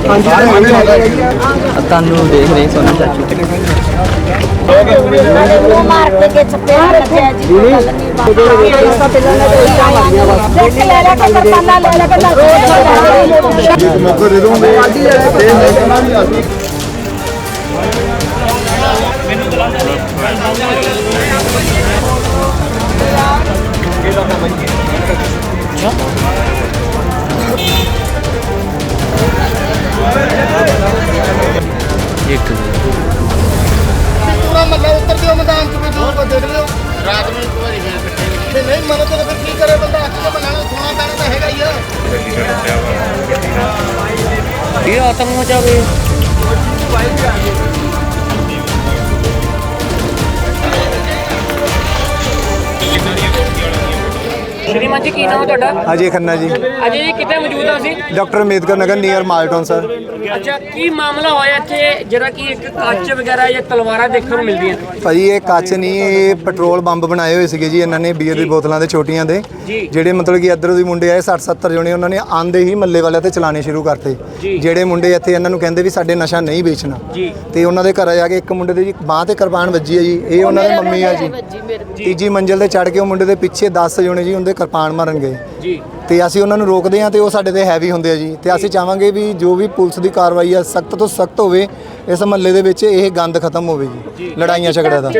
ਤੁਹਾਨੂੰ ਦੇਖ ਰਹੇ ਸੋਨਾ ਚਾਚੂ ਉਹ ਮਾਰ ਕੇ ਚੱਪੇ ਰੱਖਿਆ ਜੀ ਕੋਈ ਗੱਲ ਨਹੀਂ ਬਾਬਾ ਪਹਿਲਾਂ ਨੇ ਉਲਟਾ ਮਾਰੀਆਂ ਬਸ ਦੇਖ ਲੈ ਲੈ ਕੇ ਕਰਪਾਨਾ ਲੈ ਲੈ ਕੇ ਮੌਕਾ ਦੇ ਦੋਗੇ ਮੈਨੂੰ ਚਲਾਉਂਦਾ ਨਹੀਂ ਇੱਕ ਪੂਰਾ ਮੱਲਾ ਉੱਤਰ ਦਿਓ ਮੈਦਾਨ ਚ ਵੀ ਦੂਰ ਦੇਖ ਲਿਓ ਰਾਤ ਨੂੰ ਇੱਕ ਵਾਰੀ ਫੇਰ ਇਕੱਠੇ ਨਹੀਂ ਮੰਨੋ ਤਾਂ ਫਿਰ ਕੀ ਕਰੇ ਬੰਦਾ ਅੱਖ ਤੋਂ ਬਣਾਣਾ ਸੋਨਾ ਪੈਣਾ ਤਾਂ ਹੈਗਾ ਹੀ ਆ ਇਹ ਆਤਮ ਮਚਾਵੇ ਸ਼੍ਰੀਮਾਨ ਜੀ ਕੀ ਨਾਮ ਹੈ ਤੁਹਾਡਾ? अजय खन्ना जी, ਅਜੇ ਜੀ ਕਿੱਥੇ ਮੌਜੂਦ ਆ ਅਸੀਂ? Doctor Ambedkar Nagar near Malton sir. ਅੱਛਾ ਕੀ ਮਾਮਲਾ ਹੋਇਆ ਇੱਥੇ ਜਿਹੜਾ ਕਿ ਇੱਕ ਕੱਚ ਵਗੈਰਾ ਜਾਂ ਤਲਵਾਰਾਂ ਦੇਖਣ ਨੂੰ ਮਿਲਦੀਆਂ? ਭਾਜੀ ਇਹ ਕੱਚ ਨਹੀਂ, ਇਹ ਪੈਟਰੋਲ ਬੰਬ ਬਣਾਏ ਹੋਏ ਸੀਗੇ ਜੀ ਇਹਨਾਂ ਨੇ ਬੀਅਰ ਦੀ ਬੋਤਲਾਂ ਦੇ ਛੋਟੀਆਂ ਦੇ, ਜਿਹੜੇ ਮਤਲਬ ਕਿ ਇੱਧਰੋਂ ਦੀ ਮੁੰਡੇ ਆਏ 60-70 ਜਣੇ, ਉਹਨਾਂ ਨੇ ਆਂਦੇ ਹੀ ਮੱਲੇ ਵਾਲਿਆਂ ਤੇ ਚਲਾਣੇ ਸ਼ੁਰੂ ਕਰਤੇ। ਜਿਹੜੇ ਮੁੰਡੇ ਇੱਥੇ ਇਹਨਾਂ ਨੂੰ ਕਹਿੰਦੇ ਵੀ ਸਾਡੇ ਨਸ਼ਾ ਨਹੀਂ ਵੇਚਣਾ, ਤੇ ਉਹਨਾਂ ਦੇ ਘਰ ਜਾ ਕੇ ਇੱਕ ਮੁੰਡੇ ਦੇ ਜੀ ਬਾਂਹ ਤੇ ਕਿਰਪਾਨ ਵੱਜੀ ਹੈ ਜੀ, ਇਹ ਉਹਨਾਂ ਦੇ ਮੰਮੀ ਆ ਜੀ। ਤੀਜੀ ਮੰਜ਼ਿਲ ਤੇ ਚੜ੍ਹ ਕੇ ਉਹ ਮੁੰਡੇ ਦੇ ਪਿੱਛੇ 10 ਜਣੇ ਜੀ ਉਹਦੇ ਕਿਰਪਾਨ ਮਾਰਨ ਗਏ ਜੀ, ਤੇ ਅਸੀਂ ਉਹਨਾਂ ਨੂੰ ਰੋਕਦੇ ਹਾਂ ਤੇ ਉਹ ਸਾਡੇ ਤੇ ਹੈਵੀ ਹੁੰਦੇ ਆ ਜੀ। ਤੇ ਅਸੀਂ ਚਾਹਾਂਗੇ ਵੀ ਜੋ ਵੀ ਪੁਲਿਸ ਦੀ ਕਾਰਵਾਈ ਆ ਸਖਤ ਤੋਂ ਸਖਤ ਹੋਵੇ, ਇਸ ਮਹੱਲੇ ਦੇ ਵਿੱਚ ਇਹ ਗੰਦ ਖਤਮ ਹੋਵੇ ਜੀ, ਲੜਾਈਆਂ ਝਗੜਿਆਂ ਦਾ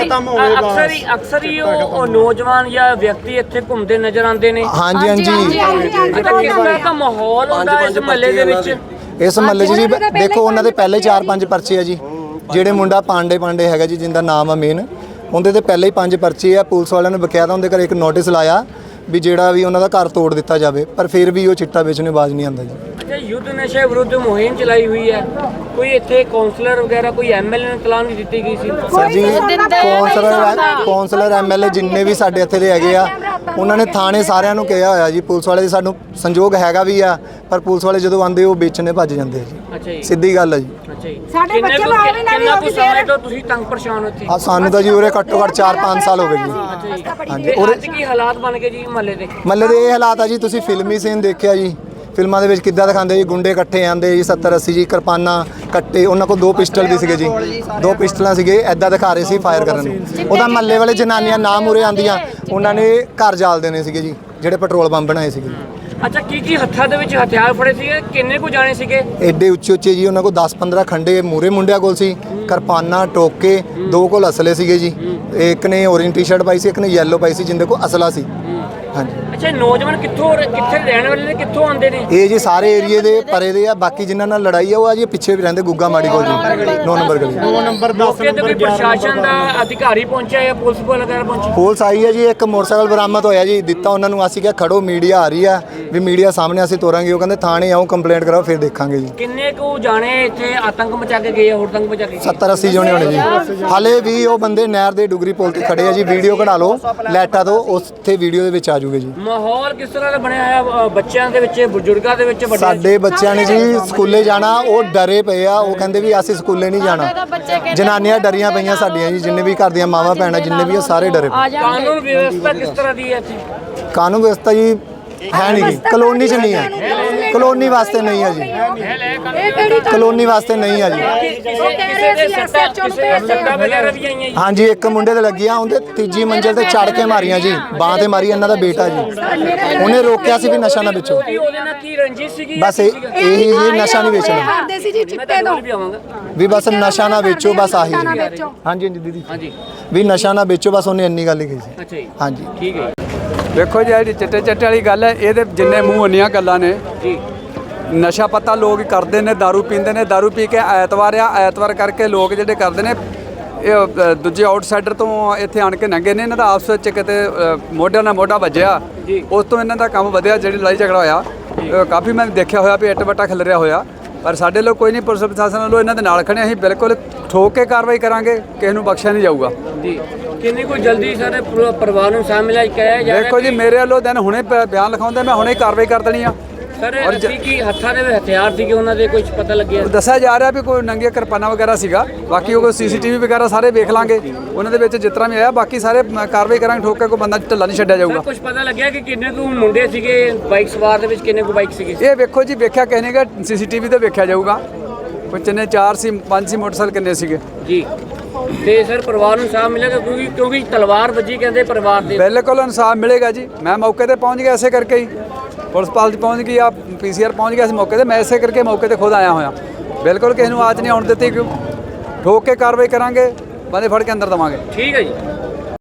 ਅਕਸਰ ਹੀ ਉਹ ਨੌਜਵਾਨ ਜਾਂ ਵਿਅਕਤੀ ਇੱਥੇ ਘੁੰਮਦੇ ਨਜ਼ਰ ਆਉਂਦੇ ਨੇ। ਹਾਂਜੀ ਹਾਂਜੀ, ਅੱਛਾ ਕਿਸ ਤਰ੍ਹਾਂ ਦਾ ਮਾਹੌਲ ਹੁੰਦਾ ਇਸ ਮਹੱਲੇ ਦੇ ਵਿੱਚ? ਇਸ ਮਹੱਲੇ 'ਚ ਜੀ ਦੇਖੋ ਉਹਨਾਂ ਦੇ ਪਹਿਲੇ 4-5 ਪਰਚੇ ਆ ਜੀ। ਜਿਹੜੇ ਮੁੰਡਾ ਪਾਂਡੇ ਹੈਗਾ ਜੀ, ਜਿੰਦਾ ਨਾਮ ਆ ਮੇਨ, ਉਹਦੇ ਤੇ ਪਹਿਲੇ ਹੀ 5 ਪਰਚੇ ਆ। ਪੁਲਿਸ ਵਾਲਿਆਂ ਨੇ ਬਕਾਇਦਾ ਉਹਦੇ ਘਰ ਇੱਕ ਨੋਟਿਸ ਲਾਇਆ ਵੀ ਜਿਹੜਾ ਵੀ ਉਹਨਾਂ ਦਾ ਘਰ ਤੋੜ ਦਿੱਤਾ ਜਾਵੇ, ਪਰ ਫਿਰ ਵੀ ਉਹ ਚਿੱਟਾ ਵੇਚਣੇ ਬਾਜ਼ ਨਹੀਂ ਆਉਂਦਾ ਜੀ। ਅੱਛਾ ਯੁੱਧ ਨਸ਼ੇ ਵਿਰੁੱਧ ਮੁਹਿੰਮ ਚਲਾਈ ਹੋਈ ਹੈ, ਕੋਈ ਇੱਥੇ ਕਾਉਂਸਲਰ ਵਗੈਰਾ ਕੋਈ ਐਮਐਲਏ ਨੂੰ ਤਲਾਹ ਨਹੀਂ ਦਿੱਤੀ ਗਈ ਸੀ? ਸਰ ਜੀ ਕੌਂਸਲਰ ਐਮਐਲਏ ਜਿੰਨੇ ਵੀ ਸਾਡੇ ਇੱਥੇ ਦੇ ਹੈਗੇ ਆ, ਉਹਨਾਂ ਨੇ ਥਾਣੇ ਸਾਰਿਆਂ ਨੂੰ ਕਿਹਾ ਹੋਇਆ ਜੀ। ਪੁਲਿਸ ਵਾਲੇ ਸਾਨੂੰ ਸੰਯੋਗ ਹੈਗਾ ਵੀ ਆ, ਪਰ ਪੁਲਿਸ ਵਾਲੇ ਜਦੋਂ ਆਉਂਦੇ ਉਹ ਵੇਚਣੇ ਭੱਜ ਜਾਂਦੇ ਆ ਜੀ। ਅੱਛਾ ਜੀ, ਸਿੱਧੀ ਗੱਲ ਹੈ ਜੀ। ਅੱਛਾ ਜੀ। ਸਾਡੇ ਬੱਚੇ ਬਾਹਰ ਵੀ ਨਾ ਕਿੰਨਾ ਕੁ ਸਮੇਂ ਤੋਂ ਤੁਸੀਂ ਤੰਗ ਪਰੇਸ਼ਾਨ ਹੋ ਇੱਥੇ? ਆ ਸਾਨੂੰ ਤਾਂ ਜੀ ਉਰੇ ਘੱਟੋ ਘੱਟ 4-5 ਸਾਲ ਹੋ ਗਏ ਜੀ। ਹਾਂਜੀ, ਤੇ ਅੱਜ ਕੀ ਹਾਲਾਤ ਬਣ ਗਏ ਜੀ ਮਹੱਲੇ ਦੇ? ਮੱਲੇ ਦੇ ਇਹ ਹਾਲਾਤ ਆ ਜੀ, ਤੁਸੀਂ ਫਿਲਮੀ ਸੀਨ ਦੇਖਿਆ ਜੀ, ਫਿਲਮਾਂ ਦੇ ਵਿੱਚ ਕਿੱਦਾਂ ਦਿਖਾਉਂਦੇ ਜੀ, ਗੁੰਡੇ ਇਕੱਠੇ ਆਂਦੇ ਜੀ 70-80 ਜੀ, ਕਿਰਪਾਨਾਂ ਕੱਟੇ, ਉਹਨਾਂ ਕੋਲ 2 ਪਿਸਟਲ ਵੀ ਸੀਗੇ ਜੀ, 2 ਪਿਸਟਲਾਂ ਸੀਗੇ, ਐਦਾਂ ਦਿਖਾ ਰਹੇ ਸੀ ਫਾਇਰ ਕਰਨ ਨੂੰ। ਉਹਦਾ ਮਹੱਲੇ ਵਾਲੇ ਜਨਾਨੀਆਂ ਨਾ ਮੂਰੇ ਆਂਦੀਆਂ, ਉਹਨਾਂ ਨੇ ਘਰ ਜਾਲ ਦੇਣੇ ਸੀਗੇ ਜੀ, ਜਿਹੜੇ ਪੈਟਰੋਲ ਬੰਬ ਬਣਾਏ ਸੀਗੇ। ਅੱਛਾ ਕੀ ਹੱਥਾਂ ਦੇ ਵਿੱਚ ਹਥਿਆਰ ਫੜੇ ਸੀਗੇ? ਕਿੰਨੇ ਕੁ ਜਾਣੇ ਸੀਗੇ? ਐਡੇ ਉੱਚੇ ਜੀ, ਉਹਨਾਂ ਕੋਲ 10-15 ਖੰਡੇ ਮੂਰੇ ਮੁੰਡਿਆਂ ਕੋਲ ਸੀ, ਕਿਰਪਾਨਾਂ, ਟੋਕੇ, 2 ਕੋਲ ਅਸਲੇ ਸੀਗੇ ਜੀ। ਇੱਕ ਨੇ ਔਰੇਂਜ ਟੀ-ਸ਼ਰਟ ਪਾਈ ਸੀ, ਇੱਕ ਨੇ ਯੈਲੋ ਪਾਈ ਸੀ, ਜਿੰਦੇ ਕੋਲ ਅਸਲਾ ਸੀ। ਹਾਂਜੀ। ਅੱਛਾ ਨੌਜਵਾਨ ਕਿੱਥੇ ਰਹਿਣ ਵਾਲੇ ਨੇ, ਕਿੱਥੋਂ ਆਉਂਦੇ ਨੇ? ਇਹ ਜੀ ਸਾਰੇ ਏਰੀਏ ਦੇ ਪਰੇ ਦੇ ਆ, ਬਾਕੀ ਜਿਨ੍ਹਾਂ ਨਾਲ ਲੜਾਈ ਆ ਉਹ ਆ ਜੀ ਪਿੱਛੇ ਵੀ ਰਹਿੰਦੇ, ਗੁੱਗਾ ਮਾੜੀ ਕੋਲ ਜੀ, 9 ਨੰਬਰ ਗਲੀ। ਮੌਕੇ ਤੇ ਕੋਈ ਪ੍ਰਸ਼ਾਸਨ ਦਾ ਅਧਿਕਾਰੀ ਪਹੁੰਚਿਆ ਜਾਂ ਪੁਲਿਸ ਵਗੈਰਾ ਪਹੁੰਚੀ? ਪੁਲਿਸ ਆਈ ਹੈ ਜੀ, ਇੱਕ ਮੋਟਰਸਾਈਕਲ ਬਰਾਮਦ ਹੋਇਆ ਜੀ, ਦਿੱਤਾ ਉਹਨਾਂ ਨੂੰ। ਅਸੀਂ ਕਿਹਾ ਖੜੋ, ਮੀਡੀਆ ਆ ਰਹੀ ਆ, ਵੀ ਮੀਡੀਆ ਸਾਹਮਣੇ ਅਸੀਂ ਤੋਰਾਂਗੇ। ਉਹ ਕਹਿੰਦੇ ਥਾਣੇ ਆਓ, ਕੰਪਲੇਂਟ ਕਰਾਓ, ਫਿਰ ਦੇਖਾਂਗੇ ਜੀ। ਕਿੰਨੇ ਕੁ ਜਾਣੇ ਇੱਥੇ ਆਤੰਕ ਮਚਾ ਕੇ ਗਏ, ਹੋਰ ਤੰਗ ਮਚਾ ਕੇ ਗਏ? 70-80 ਜਣੇ ਹੋਣੇ ਜੀ। ਹਾਲੇ ਵੀ ਉਹ ਬੰਦੇ ਨਹਿਰ ਦੇ ਡੁਗਰੀ ਪੁਲ ਤੇ ਖੜੇ ਆ ਜੀ, ਵੀਡੀਓ ਕਢਾ ਲਓ ਲੈਟਾ ਤੋਂ, ਉੱਥੇ ਵੀਡੀਓ ਦੇ ਵਿੱਚ ਆ ਜੂਗੇ ਜੀ। ਮਾਹੌਲ ਕਿਸ ਤਰ੍ਹਾਂ ਦਾ ਬਣਿਆ ਹੋਇਆ ਬੱਚਿਆਂ ਦੇ ਵਿੱਚ, ਬਜ਼ੁਰਗਾਂ ਦੇ ਵਿੱਚ? ਸਾਡੇ ਬੱਚਿਆਂ ਨੇ ਜੀ ਸਕੂਲੇ ਜਾਣਾ, ਉਹ ਡਰੇ ਪਏ ਆ, ਉਹ ਕਹਿੰਦੇ ਵੀ ਅਸੀਂ ਸਕੂਲੇ ਨਹੀਂ ਜਾਣਾ। ਜਨਾਨੀਆਂ ਡਰੀਆਂ ਪਈਆਂ ਸਾਡੀਆਂ ਜੀ, ਜਿੰਨੇ ਵੀ ਘਰ ਦੀਆਂ ਮਾਵਾਂ ਭੈਣਾਂ ਜਿੰਨੇ ਵੀ ਆ, ਸਾਰੇ ਡਰੇ ਪਏ। ਕਾਨੂੰਨ ਵਿਵਸਥਾ ਕਿਸ ਤਰ੍ਹਾਂ ਦੀ ਹੈ ਇੱਥੇ? ਕਾਨੂੰਨ ਵਿਵਸਥਾ ਜੀ ਹੈ ਨਹੀਂ ਜੀ, ਕਲੋਨੀ 'ਚ ਨਹੀਂ ਹੈ, ਕਲੋਨੀ ਵਾਸਤੇ ਨਹੀਂ ਹੈ ਜੀ, ਕਲੋਨੀ ਵਾਸਤੇ ਨਹੀਂ ਹੈ ਜੀ। ਕਿਸੇ ਦੇ ਸੱਟਾਂ ਵਗੈਰਾ ਵੀ ਆਈਆਂ ਜੀ? ਹਾਂਜੀ, ਇੱਕ ਮੁੰਡੇ ਤੇ ਲੱਗੀ ਆ, ਉਹਦੇ 3ਜੀ ਮੰਜ਼ਿਲ ਤੇ ਚੜ ਕੇ ਮਾਰੀਆਂ ਜੀ, ਬਾਂਹ ਤੇ ਮਾਰੀ। ਇਹਨਾਂ ਦਾ ਬੇਟਾ ਜੀ, ਉਹਨੇ ਰੋਕਿਆ ਸੀ ਵੀ ਨਸ਼ਾ ਨਾ ਵੇਚੋ, ਉਹਦੇ ਨਾਲ ਕੀ ਰੰਜਿਸ਼ ਸੀਗੀ? ਬਸ ਇਹੀ ਜੀ, ਨਸ਼ਾ ਨਹੀਂ ਵੇਚਣਾ ਵੀ, ਬਸ ਨਸ਼ਾ ਨਾ ਵੇਚੋ, ਬਸ ਆਹੀ। ਹਾਂਜੀ ਹਾਂਜੀ ਦੀਦੀ, ਹਾਂਜੀ ਵੀ ਨਸ਼ਾ ਨਾ ਵੇਚੋ, ਬਸ ਉਹਨੇ ਇੰਨੀ ਗੱਲ ਹੀ ਕਹੀ ਸੀ। ਅੱਛਾ ਜੀ, ਹਾਂਜੀ ਠੀਕ ਹੈ। ਦੇਖੋ ਜੀ ਜਿਹੜੀ ਚਿੱਟੇ ਵਾਲੀ ਗੱਲ ਹੈ, ਇਹਦੇ ਜਿੰਨੇ ਮੂੰਹ ਉਨੀਆਂ ਗੱਲਾਂ ਨੇ ਜੀ। ਨਸ਼ਾ ਪਤਾ ਲੋਕ ਕਰਦੇ ਨੇ, ਦਾਰੂ ਪੀਂਦੇ ਨੇ, ਦਾਰੂ ਪੀ ਕੇ ਐਤਵਾਰ ਕਰਕੇ ਲੋਕ ਜਿਹੜੇ ਕਰਦੇ ਨੇ, ਇਹ ਦੂਜੇ ਆਊਟਸਾਈਡਰ ਤੋਂ ਇੱਥੇ ਆਣ ਕੇ ਲੰਘੇ ਨੇ। ਇਹਨਾਂ ਦਾ ਆਪਸ ਵਿੱਚ ਕਿਤੇ ਮੋਢਿਆਂ ਨਾਲ ਮੋਢਾ ਵੱਜਿਆ, ਉਸ ਤੋਂ ਇਹਨਾਂ ਦਾ ਕੰਮ ਵਧਿਆ। ਜਿਹੜੀ ਲੜਾਈ ਝਗੜਾ ਹੋਇਆ, ਕਾਫੀ ਮੈਂ ਦੇਖਿਆ ਹੋਇਆ ਵੀ ਇੱਟ ਵੱਟਾ ਖਿਲਰਿਆ ਹੋਇਆ, ਪਰ ਸਾਡੇ ਲੋਕ ਕੋਈ ਨਹੀਂ, ਪੁਲਿਸ ਪ੍ਰਸ਼ਾਸਨ ਵੱਲੋਂ ਇਹਨਾਂ ਦੇ ਨਾਲ ਖੜੇ। ਅਸੀਂ ਬਿਲਕੁਲ ਠੋਕ ਕੇ ਕਾਰਵਾਈ ਕਰਾਂਗੇ, ਕਿਸੇ ਨੂੰ ਬਖਸ਼ਿਆ ਨਹੀਂ ਜਾਊਗਾ ਜੀ। ਕਿੰਨੀ ਕੋਈ ਜਲਦੀ ਸਾਰੇ ਪਰਿਵਾਰ ਨੂੰ ਸ਼ਾਮਿਲ ਕਰਿਆ ਜਾਵੇ? ਦੇਖੋ ਜੀ, ਮੇਰੇ ਵੱਲੋਂ ਦਿਨ ਹੁਣੇ ਬਿਆਨ ਲਿਖਾਉਂਦੇ, ਮੈਂ ਹੁਣੇ ਕਾਰਵਾਈ ਕਰ ਦੇਣੀ ਆ। ਸਰ ਅਸੀਂ ਕੀ ਹੱਥਾਂ ਦੇ ਵਿੱਚ ਹਥਿਆਰ ਸੀਗੇ ਉਹਨਾਂ ਦੇ ਕੁਝ ਪਤਾ ਲੱਗਿਆ? ਦੱਸਿਆ ਜਾ ਰਿਹਾ ਵੀ ਕੋਈ ਨੰਗੇ ਕਿਰਪਾਨਾਂ ਵਗੈਰਾ ਸੀਗਾ, ਬਾਕੀ ਉਹ ਸੀਸੀਟੀਵੀ ਵਗੈਰਾ ਸਾਰੇ ਵੇਖ ਲਾਂਗੇ, ਉਹਨਾਂ ਦੇ ਵਿੱਚ ਜਿਸ ਤਰ੍ਹਾਂ ਵੀ ਆਇਆ ਬਾਕੀ ਸਾਰੇ ਕਾਰਵਾਈ ਕਰਾਂਗੇ, ਠੋਕ ਕੇ ਕੋਈ ਬੰਦਾ ਢਿੱਲਾ ਨਹੀਂ ਛੱਡਿਆ ਜਾਊਗਾ। ਕੁਝ ਪਤਾ ਲੱਗਿਆ ਕਿ ਕਿੰਨੇ ਕੁ ਮੁੰਡੇ ਸੀਗੇ ਬਾਈਕ ਸਵਾਰ ਦੇ ਵਿੱਚ, ਕਿੰਨੇ ਕੁ ਬਾਈਕ ਸੀਗੇ? ਇਹ ਵੇਖੋ ਜੀ, ਵੇਖਿਆ ਕਹਿੰਦੇ ਕਿ ਸੀਸੀਟੀਵੀ ਤੇ ਵੇਖਿਆ ਜਾਊਗਾ ਕੋਈ ਕਿੰਨੇ 4 ਸੀ 5 ਸੀ ਮੋਟਰਸਾਈਕਲ ਕਿੰਨੇ ਸੀਗੇ ਜੀ। ਤੇ ਸਰ ਪਰਿਵਾਰ ਨੂੰ ਇਨਸਾਫ ਮਿਲੇਗਾ ਕਿਉਂਕਿ ਤਲਵਾਰ ਵੱਜੀ ਕਹਿੰਦੇ ਪਰਿਵਾਰ ਦੇ? ਬਿਲਕੁਲ ਇਨਸਾਫ ਮਿਲੇਗਾ ਜੀ, ਮੈਂ ਮੌਕੇ ਤੇ ਪਹੁੰਚ ਗਿਆ ਇਸੇ ਕਰਕੇ ਹੀ, ਪੁਲਿਸ ਪਾਲਟੀ ਪਹੁੰਚ ਗਈ ਆ, ਪੀਸੀਆਰ ਪਹੁੰਚ ਗਿਆ ਸੀ ਮੌਕੇ ਤੇ, ਮੈਂ ਇਸੇ ਕਰਕੇ ਮੌਕੇ ਤੇ ਖੁਦ ਆਇਆ ਹੋਇਆ। ਬਿਲਕੁਲ ਕਿਸੇ ਨੂੰ ਆਚ ਨਹੀਂ ਆਉਣ ਦਿੱਤੀ, ਕਿਉਂ ਠੋਕ ਕੇ ਕਾਰਵਾਈ ਕਰਾਂਗੇ, ਬੰਦੇ ਫੜ ਕੇ ਅੰਦਰ ਦੇਵਾਂਗੇ। ਠੀਕ ਹੈ ਜੀ।